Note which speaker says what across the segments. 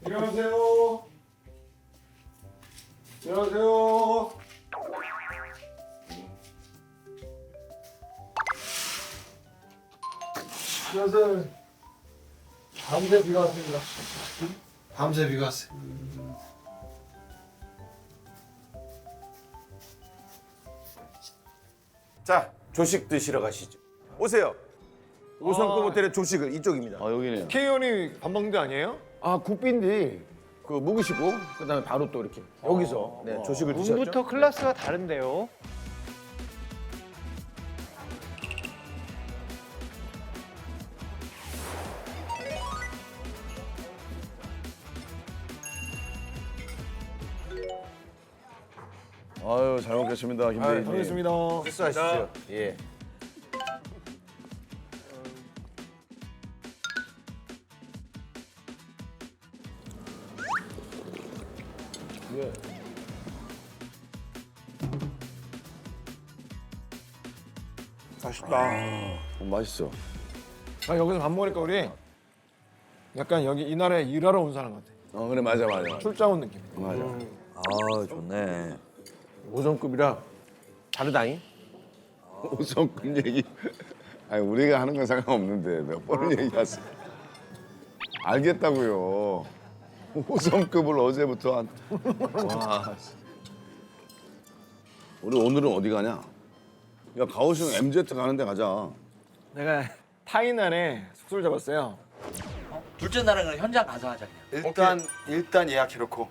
Speaker 1: 안녕하세요. 안녕하세요. 안녕하세요. 밤새 비가 왔습니다. 밤새 비가 왔어요.
Speaker 2: 자, 조식 드시러 가시죠. 오세요. 5성급 호텔의 조식은 이쪽입니다.
Speaker 3: 여기네요.
Speaker 1: K연이 밥 먹는 데 아니에요?
Speaker 2: 아, 국빈디 그 묵으시고 그다음에 바로 또 이렇게 여기서 네, 조식을 드셨죠.
Speaker 4: 문부터 클래스가 다른데요.
Speaker 3: 아유 잘 먹겠습니다, 김대리님.
Speaker 1: 반갑습니다.
Speaker 2: 식사하시죠. 예.
Speaker 1: 맛있다.
Speaker 3: 맛있어.
Speaker 1: 아, 여기서 밥 먹으니까 우리 약간 여기 이 나라에 일하러 온 사람 같아.
Speaker 3: 그래 맞아.
Speaker 1: 출장 온 느낌.
Speaker 3: 맞아.
Speaker 5: 아 좋네.
Speaker 2: 5성급이라 다르다잉.
Speaker 3: 5성급 얘기. 아니 우리가 하는 건 상관없는데 몇 번을 얘기하세요. 알겠다고요. 5성급을 어제부터 한. 와. 우리 오늘은 어디 가냐? 야 가오슝 MZ 가는 데 가자.
Speaker 1: 내가 타이난에 숙소를 잡았어요.
Speaker 5: 둘째 날은 그냥 현장 가서 하자 그냥.
Speaker 2: 일단 예약해놓고.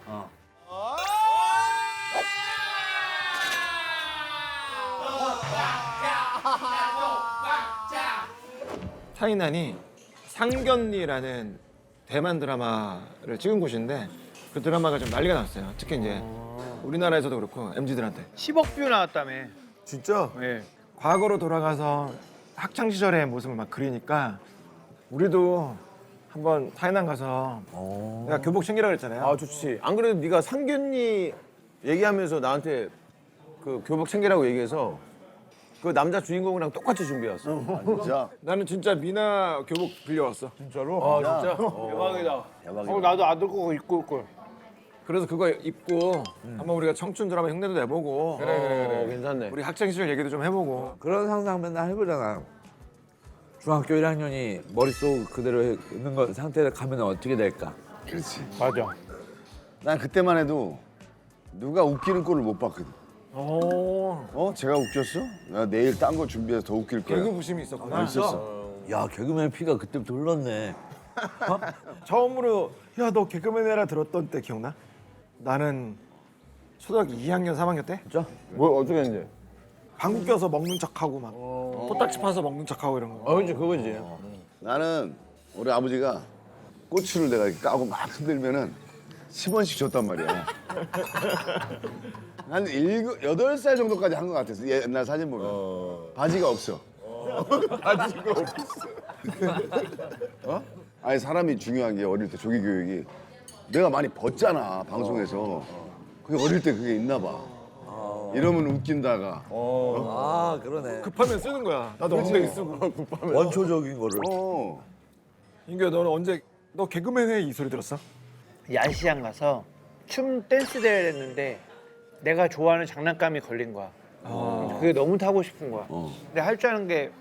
Speaker 1: 타이난이 상견니라는 대만 드라마를 찍은 곳인데 그 드라마가 좀 난리가 났어요. 특히 이제 우리나라에서도 그렇고 MZ들한테.
Speaker 4: 10억 뷰 나왔다며.
Speaker 2: 진짜?
Speaker 4: 예.
Speaker 1: 과거로 돌아가서 학창 시절의 모습을 막 그리니까 우리도 한번 타이난 가서 내가 교복 챙기라 그랬잖아요.
Speaker 2: 아 좋지. 안 그래도 네가 상견니 얘기하면서 나한테 그 교복 챙기라고 얘기해서 그 남자 주인공이랑 똑같이 준비해왔어.
Speaker 3: 진짜.
Speaker 1: 나는 진짜 미나 교복 빌려왔어.
Speaker 2: 진짜로? 아 진짜?
Speaker 4: 대박이다. 나도 아들 거 입고 올 걸.
Speaker 1: 그래서 그거 입고 한번 우리가 청춘 드라마 흉내도 내보고
Speaker 2: 그래. 괜찮네.
Speaker 1: 우리 학창 시절 얘기도 좀 해보고.
Speaker 5: 그런 상상 맨날 해보잖아. 중학교 1학년이 머릿속 그대로 있는 거 상태로 가면 어떻게 될까?
Speaker 3: 그렇지.
Speaker 4: 맞아.
Speaker 3: 난 그때만 해도 누가 웃기는 꼴을 못 봤거든.
Speaker 1: 오,
Speaker 3: 제가 웃겼어? 나 내일 딴 거 준비해서 더 웃길 거야.
Speaker 1: 개그 부심이 있었구나.
Speaker 3: 있었어.
Speaker 5: 야 개그맨 피가 그때부터 흘렀네.
Speaker 1: 처음으로 야 너 개그맨 해라 들었던 때 기억나? 나는 초등학교 2학년 3학년 때
Speaker 2: 뭐 어떻게 했는데?
Speaker 1: 방구 껴서 먹는 척하고 막 코딱지 파서 먹는 척하고 이런 거.
Speaker 2: 그지 그거지.
Speaker 3: 나는 우리 아버지가 꼬치를 내가 이렇게 까고 막 흔들면은 10원씩 줬단 말이야. 한 8살 정도까지 한 것 같았어. 옛날 사진 보면. 바지가 없어. 바지가 없어. 아니 사람이 중요한 게 어릴 때 조기 교육이 내가 많이 벗잖아 방송에서. 그게 어릴 때 그게 있나 봐. 이러면 웃긴다가.
Speaker 5: 아 그러네.
Speaker 1: 급하면 쓰는 거야. 나도 엉덩이 쓰고.
Speaker 5: 원초적인 거를.
Speaker 1: 인규야 너는 언제 너 개그맨 해 이 소리 들었어?
Speaker 4: 야시장 가서 춤 댄스 대회를 했는데 내가 좋아하는 장난감이 걸린 거야. 그게 너무 타고 싶은 거야. 근데 할 줄 아는 게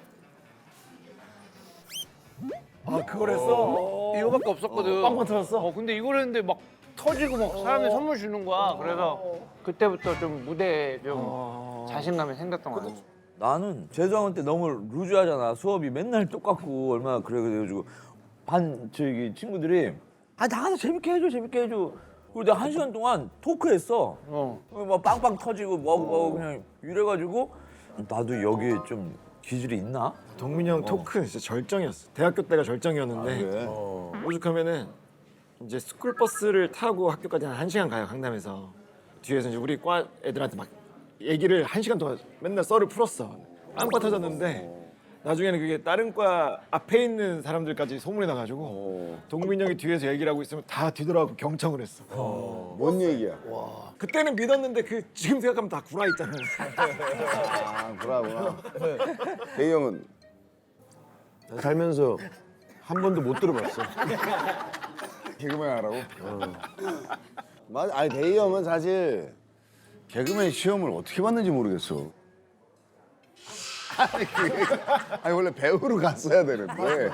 Speaker 1: 아 그걸 했어?
Speaker 4: 이거밖에 없었거든.
Speaker 1: 빵빵 터졌어?
Speaker 4: 근데 이걸 했는데 막 터지고 막 사람들 선물 주는 거야. 그래서 그때부터 좀 무대에 좀 자신감이 생겼던 거 같아.
Speaker 5: 나는 재수학원 때 너무 루즈하잖아. 수업이 맨날 똑같고 얼마나 그래가지고 반 저기 친구들이 아 나가서 재밌게 해줘 재밌게 해줘. 그리고 내가 1시간 동안 토크했어. 막 빵빵 터지고 뭐하고 그냥 이래가지고 나도 여기에 좀 기질이 있나?
Speaker 1: 동민이 형 토크 진짜 절정이었어. 대학교 때가 절정이었는데
Speaker 3: 그래?
Speaker 1: 오죽하면은 이제 스쿨버스를 타고 학교까지 한 1시간 가요 강남에서. 뒤에서 이제 우리 과 애들한테 막 얘기를 1시간 동안 맨날 썰을 풀었어. 빵빠 터졌는데 나중에는 그게 다른 과 앞에 있는 사람들까지 소문이 나가지고 동민이 형이 뒤에서 얘기를 하고 있으면 다 뒤돌아가고 경청을 했어.
Speaker 3: 뭔 얘기야?
Speaker 1: 그때는 믿었는데 그 지금 생각하면 다 구라 있잖아요.
Speaker 3: 아, 그러구나. 대희 형은
Speaker 2: 살면서 한 번도 못 들어봤어.
Speaker 3: 개그맨 하라고? 맞아. 아니 대희 형은 사실 개그맨 시험을 어떻게 봤는지 모르겠어. 아니 원래 배우로 갔어야 되는데.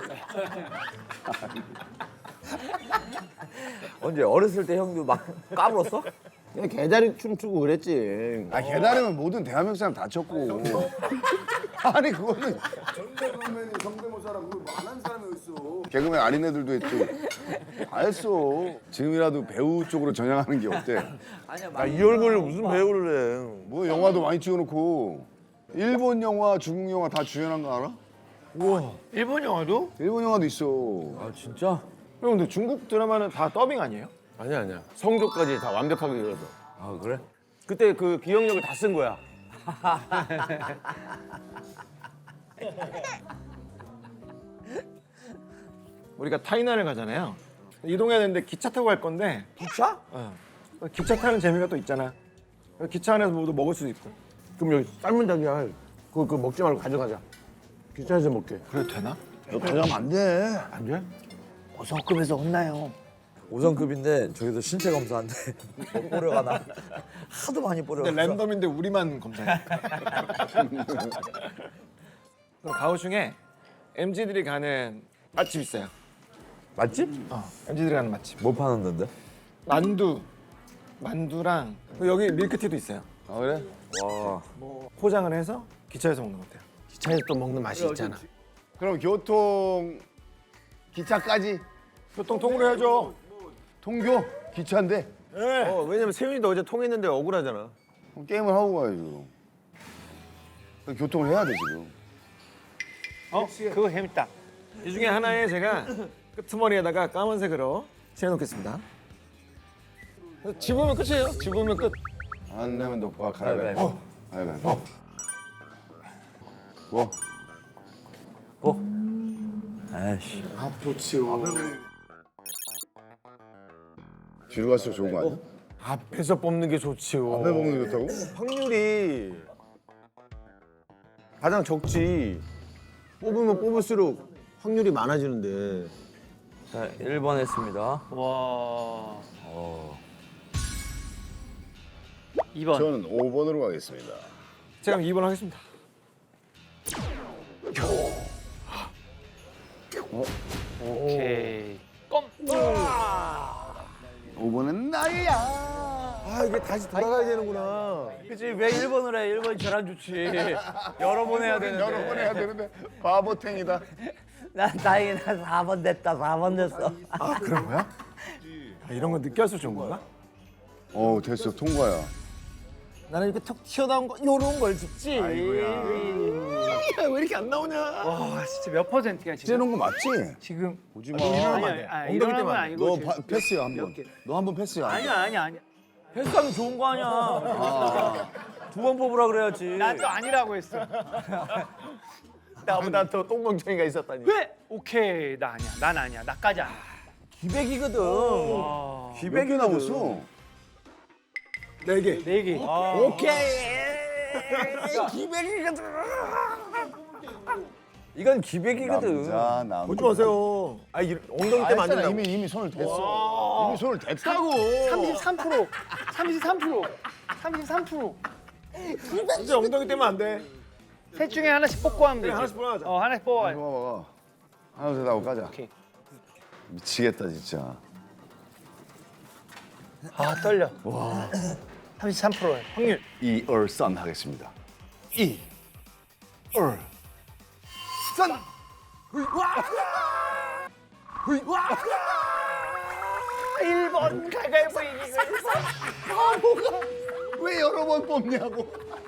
Speaker 5: 언제 어렸을 때 형도 막 까불었어?
Speaker 2: 그냥 개다리 춤추고 그랬지.
Speaker 3: 아 개다리면 모든 대한민국 사람 다 쳤고. 아니 그거는 전대범맨이 성대모사라고 많은 사람이 있어. 개그맨 아닌 애들도 했고 다 했어. 지금이라도 배우 쪽으로 전향하는 게 어때?
Speaker 2: 아, 이 얼굴을 무슨 배우를 해.
Speaker 3: 뭐 영화도 많이 찍어놓고 일본 영화, 중국 영화 다 주연한 거 알아?
Speaker 1: 일본 영화도?
Speaker 3: 일본 영화도 있어.
Speaker 5: 아 진짜?
Speaker 1: 형 근데 중국 드라마는 다 더빙 아니에요?
Speaker 2: 아니야. 성조까지 다 완벽하게 이어서.
Speaker 5: 아 그래?
Speaker 2: 그때 그 기억력을 다 쓴 거야.
Speaker 1: 우리가 타이난을 가잖아요. 이동해야 되는데 기차 타고 갈 건데
Speaker 5: 기차?
Speaker 1: 기차 타는 재미가 또 있잖아. 기차 안에서 뭐도 먹을 수도 있고.
Speaker 2: 그럼 여기 삶은 닭이야. 그거 먹지 말고 가져가자. 기차에서 먹게.
Speaker 1: 그래도 되나?
Speaker 3: 너 가져가면 안 돼.
Speaker 2: 안 돼?
Speaker 4: 5성급에서 혼나요.
Speaker 5: 5성급인데 저기서 신체 검사한데 뽀려가 나. 하도 많이 뽀려.
Speaker 1: 근데 랜덤인데 우리만 검사해. 그럼 가오슝에 MZ들이 가는 맛집 있어요.
Speaker 5: 맛집?
Speaker 1: MZ들이 가는 맛집.
Speaker 5: 뭐 파는 데인데?
Speaker 1: 만두랑 그리고 여기 밀크티도 있어요.
Speaker 3: 아 그래?
Speaker 5: 와.
Speaker 1: 포장을 해서 기차에서 먹는 것 같아요.
Speaker 2: 기차에서 또 먹는 맛이 있잖아.
Speaker 3: 그럼 교통 기차까지
Speaker 1: 보통 통으로 해줘.
Speaker 3: 통교 기차인데
Speaker 2: 왜냐면 세윤이도 어제 통했는데 억울하잖아.
Speaker 3: 그럼 게임을 하고 가야죠. 교통을 해야 돼 지금.
Speaker 4: 그거 재밌다.
Speaker 1: 이 중에 하나에 제가 끄트머리에다가 까만색으로 칠해놓겠습니다. 집으면 끝이에요. 집으면 끝.
Speaker 3: 안 내면 너와 가위바위보. 가위바위보. 뭐?
Speaker 5: 아이씨.
Speaker 3: 뒤로 갈수록 좋은 거 아니야?
Speaker 2: 앞에서 뽑는 게 좋지요.
Speaker 3: 앞에 먹는 게 좋다고?
Speaker 2: 확률이 가장 적지. 뽑으면 뽑을수록 확률이 많아지는데.
Speaker 5: 자 1번 했습니다.
Speaker 4: 와. 2번.
Speaker 3: 저는 5번으로 가겠습니다.
Speaker 1: 제가 2번 하겠습니다.
Speaker 4: 오케이. 껌.
Speaker 3: 5번은 나야.
Speaker 2: 아 이게 다시 돌아가야 되는구나.
Speaker 5: 그치 왜 1번을 해? 1번이 제일 안 좋지. 여러 번 해야 되는데.
Speaker 3: 여러 번 해야 되는데 바보탱이다.
Speaker 5: 난 다행히 난 4번 됐다. 4번 됐어.
Speaker 1: 아 그런 거야? 아, 이런 거 늦게 할수록 좋은 건가?
Speaker 3: 됐어 통과야.
Speaker 1: 나는 이렇게 턱 튀어나온 거 요런 걸 줍지.
Speaker 2: 아이고야.
Speaker 1: 왜 이렇게 안 나오냐?
Speaker 4: 와 진짜 몇 퍼센트야 지금?
Speaker 3: 찌는 거 맞지?
Speaker 4: 지금
Speaker 3: 오지 마.
Speaker 4: 아니 일어나는 건 아니고
Speaker 3: 너
Speaker 4: 지금
Speaker 3: 패스야 한 번. 너 한 번 패스야.
Speaker 4: 아니야.
Speaker 5: 패스하면 좋은 거 아니야. 2번 뽑으라 그래야지.
Speaker 4: 나도 아니라고 했어.
Speaker 2: 나보다 더 똥멍청이가 있었다니.
Speaker 4: 왜? 오케이 나 아니야. 난 아니야. 나까지 아니야.
Speaker 5: 기백이거든.
Speaker 4: 와.
Speaker 3: 몇 개 남았어?
Speaker 1: 4개.
Speaker 4: 4개.
Speaker 5: 이건 기백이거든.
Speaker 3: 남자.
Speaker 1: 보지 마세요.
Speaker 2: 아 엉덩이 때 맞는다.
Speaker 3: 이미 손을 댔어. 이미 손을 댔다고.
Speaker 4: 33%. 33%.
Speaker 1: 진짜 엉덩이 떼면 안 돼.
Speaker 4: 셋 중에 하나씩 뽑고 하면 되지.
Speaker 1: 하나씩 뽑아가자.
Speaker 4: 하나씩 뽑아.
Speaker 3: 봐봐. 하나 둘 하고 가자.
Speaker 4: 오케이.
Speaker 3: 미치겠다 진짜.
Speaker 4: 아 떨려. 와. 33%야. 확률.
Speaker 3: 이얼선 하겠습니다.
Speaker 4: 일본 가위바위보 이기고
Speaker 3: 왜 여러 번 뽑냐고.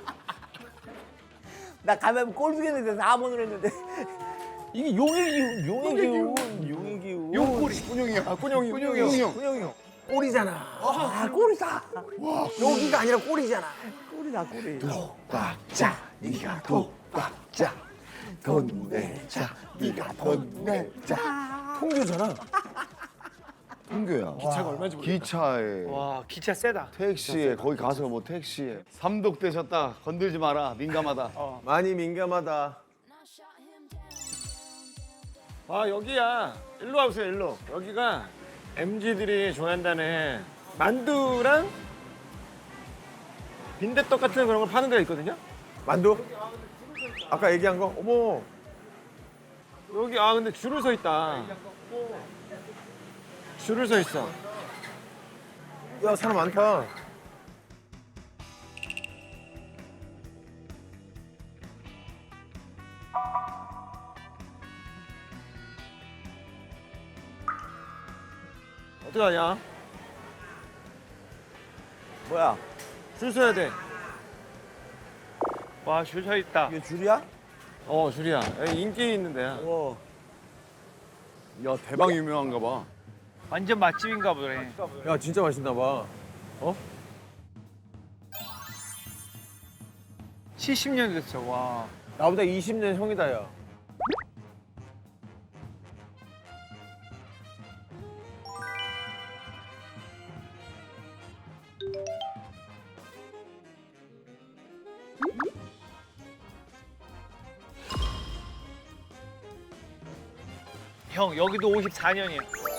Speaker 5: 나 가면 꼴 두겠는데 4번을 했는데 이게 용의 기운.
Speaker 4: 용꼬리.
Speaker 3: 군용이야.
Speaker 1: 군용이.
Speaker 3: 군용이 형.
Speaker 5: 훈영이 형.
Speaker 2: 꼴이잖아.
Speaker 5: 아 꼴이다.
Speaker 2: 여기가 아니라 꼴이잖아.
Speaker 5: 꼴이다 꼴이.
Speaker 3: 자, 네가 독박자. 돈 내자. 네가 돈 내자.
Speaker 2: 통교잖아.
Speaker 3: 통교야.
Speaker 1: 기차가 얼마인지 모르겠다.
Speaker 3: 기차에.
Speaker 4: 와 기차 세다.
Speaker 3: 택시에 거기 가서 뭐 택시에 삼독되셨다 건들지 마라 민감하다.
Speaker 2: 많이 민감하다.
Speaker 1: 아 여기야. 일로 와보세요. 일로. 여기가 MZ들이 좋아한다는 만두랑 빈대떡 같은 그런 걸 파는 데가 있거든요.
Speaker 2: 만두? 아까 얘기한 거? 어머.
Speaker 1: 여기 근데 줄을 서 있다. 줄을 서 있어.
Speaker 2: 야, 사람 많다.
Speaker 1: 어떡하냐?
Speaker 5: 뭐야?
Speaker 1: 줄 서야 돼.
Speaker 4: 와, 줄 서 있다.
Speaker 5: 이게 줄이야?
Speaker 1: 줄이야. 여기 인기 있는 데야.
Speaker 5: 어.
Speaker 3: 야 대박 유명한가 봐.
Speaker 4: 완전 맛집인가 보네.
Speaker 2: 야, 진짜 맛있나 봐.
Speaker 4: 70년 됐어. 와.
Speaker 2: 나보다 20년 형이다, 야.
Speaker 4: 형, 여기도 54년이야.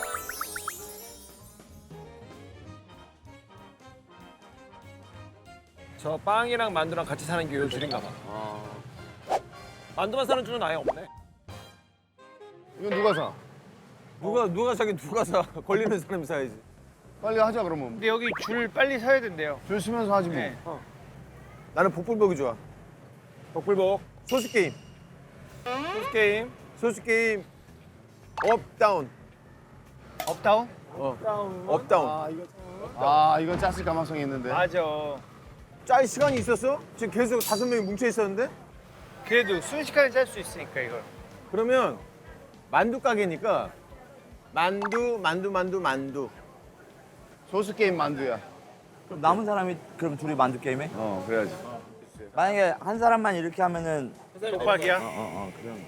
Speaker 1: 저 빵이랑 만두랑 같이 사는 게 요 줄인가 봐. 만두만 사는 줄은 아예 없네.
Speaker 3: 이건 누가 사?
Speaker 2: 누가 사긴 누가 사. 걸리는 사람이 사야지.
Speaker 3: 빨리 하자 그러면.
Speaker 4: 근데 여기 줄 빨리 서야 된대요.
Speaker 3: 줄 서면서 하지 뭐.
Speaker 4: 네.
Speaker 2: 나는 복불복이 좋아.
Speaker 1: 복불복.
Speaker 2: 소수 게임.
Speaker 1: 소스 게임.
Speaker 2: 소수 게임. 업, 다운.
Speaker 4: 업다운?
Speaker 2: 업, 다운.
Speaker 3: 이건 짰을 가망성이 있는데.
Speaker 4: 맞아.
Speaker 2: 짤 시간이 있었어? 지금 계속 5명이 뭉쳐 있었는데?
Speaker 4: 그래도 순식간에 짤 수 있으니까 이걸.
Speaker 2: 그러면 만두 가게니까 만두.
Speaker 3: 소스 게임 만두야.
Speaker 5: 그럼 남은 사람이 그럼 둘이 만두 게임해?
Speaker 3: 그래야지.
Speaker 5: 만약에 한 사람만 이렇게 하면은
Speaker 4: 독박이야?
Speaker 5: 그럼.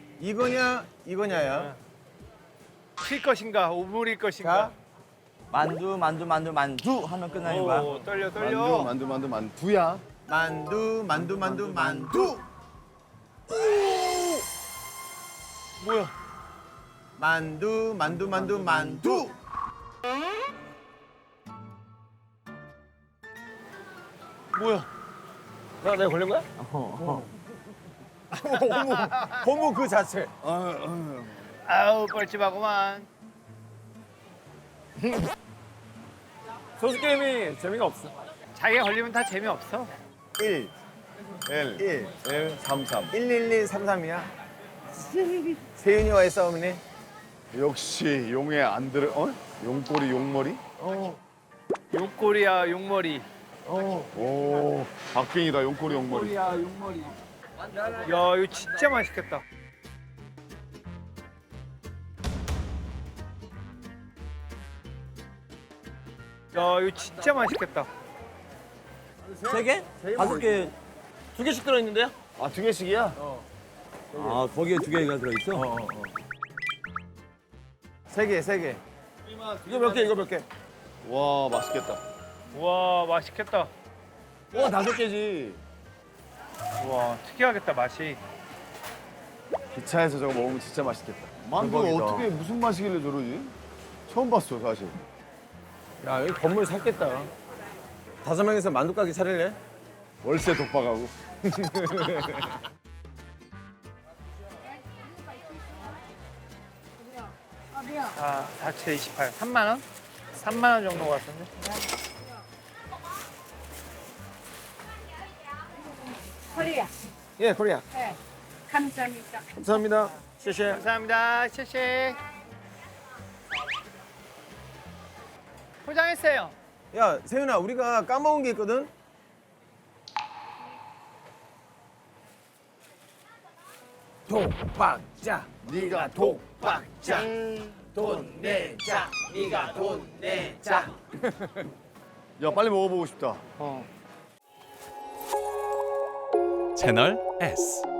Speaker 2: 이거냐야.
Speaker 4: 칠 것인가, 오물일 것인가.
Speaker 2: 자,
Speaker 5: 만두 하면 끝나는 거야.
Speaker 4: 오, 떨려.
Speaker 3: 만두야.
Speaker 2: 만두.
Speaker 4: 뭐야?
Speaker 2: 만두.
Speaker 4: 뭐야?
Speaker 1: 내가 걸린 거야?
Speaker 2: 고무 그 자체.
Speaker 4: 아우, 뻘쭘하구만.
Speaker 1: 소스 게임이 재미가 없어.
Speaker 4: 자기가 걸리면 다 재미없어.
Speaker 2: 1,
Speaker 3: 1, 3, 3.
Speaker 2: 11133이야. 세윤이와의 싸움이네.
Speaker 3: 역시 용에 안 들어. 용꼬리 용머리?
Speaker 4: 용꼬리야, 용머리.
Speaker 3: 오, 박빙이다 용꼬리 용머리.
Speaker 4: 야, 이거 진짜 맛있겠다. 야, 이거 진짜 맛있겠다.
Speaker 5: 3개? 5개?
Speaker 1: 2개씩 들어있는데요?
Speaker 3: 2개씩이야?
Speaker 5: 거기에 2개가 들어있어?
Speaker 2: 3개.
Speaker 1: 이거 몇 개, 이거 몇 개?
Speaker 3: 와 맛있겠다.
Speaker 4: 와, 맛있겠다.
Speaker 3: 와 5개지.
Speaker 4: 와, 특이하겠다, 맛이.
Speaker 3: 기차에서 저거 먹으면 진짜 맛있겠다. 만두가
Speaker 2: 대박이다.
Speaker 3: 어떻게 무슨 맛이길래 저러지? 처음 봤어 사실.
Speaker 2: 야, 여기 건물 샀겠다. 5명이서 만두 가게 차릴래?
Speaker 3: 월세 독박하고.
Speaker 4: 아, 4채 28. 3만 원? 3만 원 정도 같은데?
Speaker 6: 코리아.
Speaker 1: 예, 코리아.
Speaker 6: 네. 감사합니다.
Speaker 1: 감사합니다. 쉐쉐.
Speaker 4: 감사합니다. 쉐쉐. 포장했어요.
Speaker 2: 야, 세윤아, 우리가 까먹은 게 있거든? 독박자.
Speaker 3: 네가 독박자.
Speaker 2: 돈 내자. 네가 돈 내자.
Speaker 3: 야 빨리 먹어보고 싶다.
Speaker 4: 어.
Speaker 7: 채널 S